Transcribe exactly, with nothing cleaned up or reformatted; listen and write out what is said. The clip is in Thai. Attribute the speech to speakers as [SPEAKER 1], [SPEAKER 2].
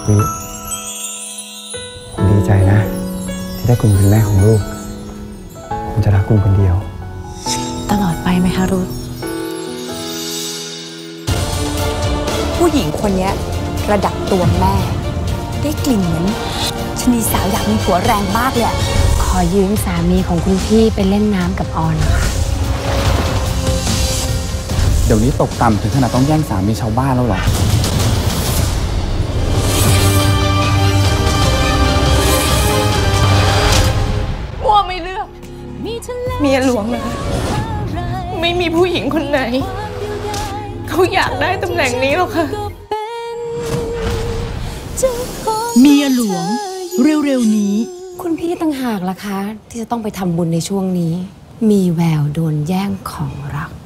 [SPEAKER 1] วิผมดีใจนะที่ได้คุณเป็นแม่ของลูกผมจะรักคุณคนเดียว
[SPEAKER 2] ตลอดไปไหมคะรุธ
[SPEAKER 3] ผู้หญิงคนนี้ระดับตัวแม่ได้กลิ่นเหมือนชนีสาวอยากมีผัวแรงมากเลย
[SPEAKER 2] ขอยืมสามีของคุณพี่ไปเล่นน้ำกับออนนะคะ
[SPEAKER 4] เดี๋ยวนี้ตกต่ำถึงขนาดต้องแย่งสามีชาวบ้านแล้วหรอ
[SPEAKER 5] ว่าไม่เลือกเมียหลวงนะไม่มีผู้หญิงคนไหนเขาอยากได้ตำแหน่งนี้หรอกค่ะ
[SPEAKER 6] เมียหลวงเร็วๆนี้
[SPEAKER 2] คุณพี่ต่างหากล่ะคะที่จะต้องไปทำบุญในช่วงนี้มีแววโดนแย่งของรัก